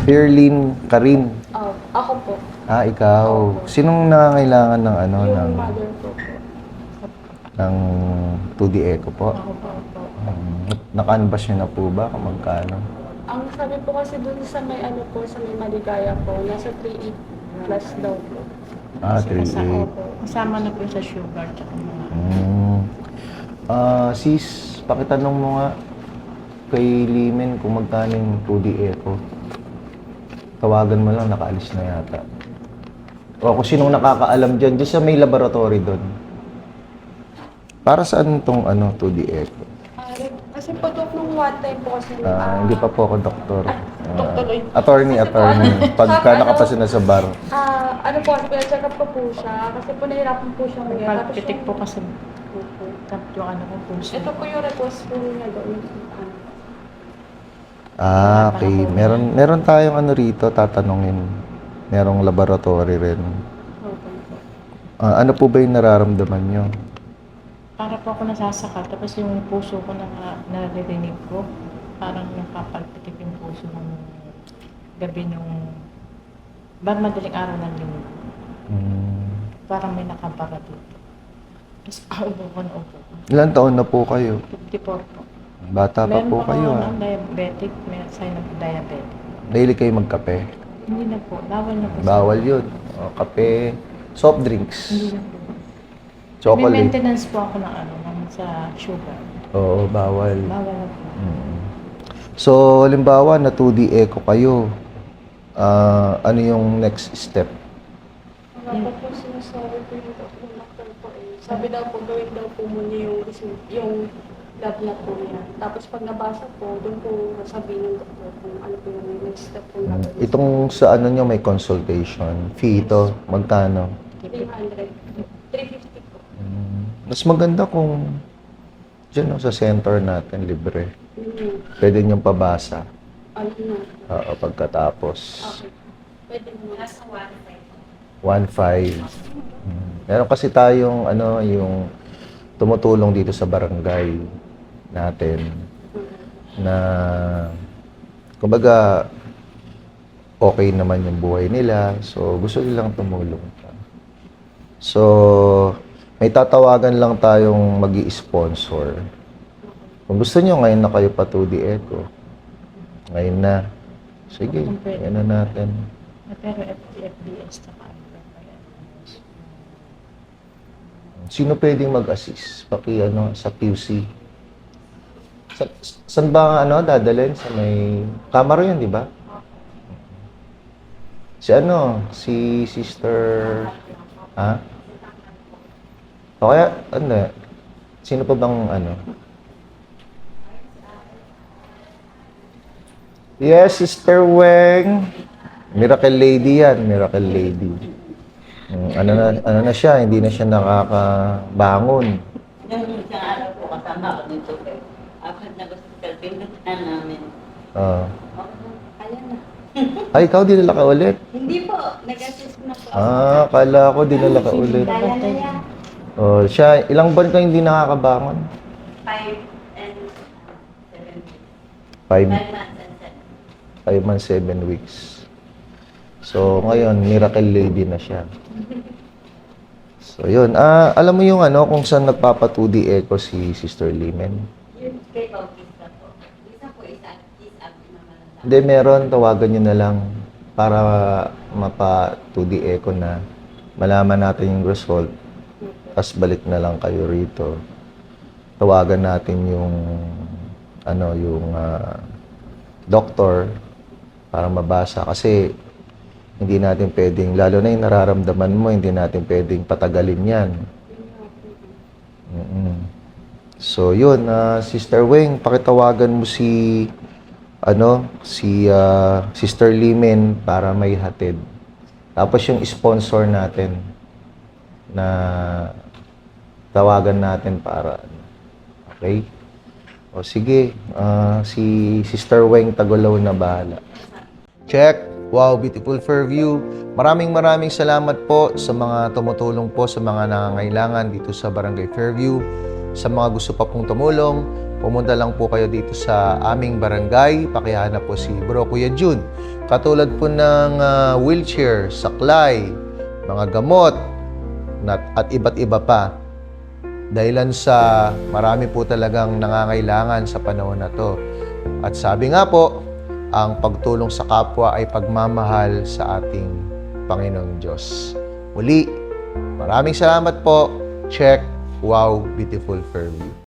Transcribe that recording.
Fairlyn Karin. Oh, ako po. Ah, ikaw. Sinong nangangailangan ng ano, ng, Yung mother ko po. ng 2D echo po? Ako po. Naka-unbash nyo na po ba kung magkano? Ang sabi po kasi dun sa may ano po, sa may Maligaya po, nasa 3.8 plus daw po. Ah, Kasi 3.8. Opo. Kasama na po sa sugar tsaka mga... Sis, pakitanong mo nga kay Limen kung magkano yung 2D echo. Tawagan mo lang, nakaalis na yata. O kung sinong nakakaalam dyan, dyan sa may laboratory doon. Para saan tong ano, 2D echo? Kasi po doon nung one time po kasi... Hindi pa po ako doktor. Doktor. Attorney. Pagka nakapasa na sa bar. Ano po, check up ko po siya. Kasi po nahirapan po siya ngayon. Tapos Pagpitik yung- po kasi yung ano ko puso. Ito po yung request po niya doon. Okay. Meron tayong ano rito, tatanungin. Merong laboratory rin. Ano po ba yung nararamdaman nyo? Para po ako nasasaka, tapos yung puso ko na naririnig ko, parang napapalpitik yung puso ng gabi nung madaling araw ng linggo. Parang may nakabara dito. Tapos upo ko na upo ko. Ilan taon na po kayo? 54 po. Bata pa Meron po pa kayo ako ha? ng diabetic, may sign of diabetic. Daily kayo magkape? Hindi na po, bawal na po. Bawal yun. Kape, soft drinks, Hindi na po. May chocolate. maintenance po ako ng ano, sa sugar. Oo, bawal. Bawal na po. So, halimbawa na 2D echo kayo, ano yung next step? Wala pa po sinasabi po yung doctor po eh. Sabi daw po, gawin daw po muna yung lab na po yan. Tapos pag nabasa po, doon po sabihin ng doktor kung ano po yung next step po na. Itong sa ano nyo may consultation, fee ito, magkano? 300. 350 po. Mas maganda kung dyan no, sa center natin, libre. Pwede nyo pabasa. Ayun na. Pagkatapos. Okay. Pwede mo. Nasa 1.5. Meron kasi tayong ano, yung tumutulong dito sa barangay natin na kumbaga okay naman yung buhay nila. So, gusto nilang tumulong. So, may tatawagan lang tayong mag-i-sponsor. Kung gusto nyo, ngayon na kayo pa 2D Echo. Ngayon na. Sige, yan na natin. Pero FBS na pa. Sino pwedeng mag-assist? Ano, sa QC. Saan ba ano, dadalhin? Sa may kamera yun, di ba? Si Sister... Ha? O kaya, ano, sino pa bang ano? Yes, Sister Weng. Miracle Lady yan, Miracle Lady. Ano na siya, hindi na siya nakakabangon. Yung isang araw po kasama ako dito. Apat na hospital, pinuntahan namin. Ayan na. Ay, ikaw dinala ka ulit? Hindi po, nag-assist na po. Kala ko dinala ka ulit. Kaya na yan. Siya, ilang buwan ka hindi nakakabangon? 5 and 7 weeks. 5 5 months and 5 months, 7 7. weeks. So, ngayon, Miracle Lady na siya. So, yun. Alam mo yung ano, kung saan nagpapa-2D echo si Sister Limen? Yun kay Bautista po. Isa po, is active naman. Hindi, meron. Tawagan nyo na lang para mapa-2D echo na malaman natin yung result. Tapos balik na lang kayo rito. Tawagan natin yung doktor para mabasa. Kasi hindi natin pwedeng, lalo na yung nararamdaman mo, hindi natin pwedeng patagalin yan. So, yun. Sister Weng, pakitawagan mo si Sister Limen para may hatid. Tapos yung sponsor natin na tawagan natin para okay? O sige, si Sister Weng Tagulaw na bahala. Check! Wow, beautiful Fairview. Maraming salamat po sa mga tumutulong po sa mga nangangailangan dito sa Barangay Fairview. Sa mga gusto pa pong tumulong, pumunta lang po kayo dito sa aming barangay. Pakihanap po si Bro Kuya Jun. Katulad po ng wheelchair, saklay, mga gamot, at iba't iba pa. Dahilan sa marami po talagang nangangailangan sa panahon na to. At sabi nga po, ang pagtulong sa kapwa ay pagmamahal sa ating Panginoong Diyos. Muli, maraming salamat po. Check. Wow, beautiful Fairview.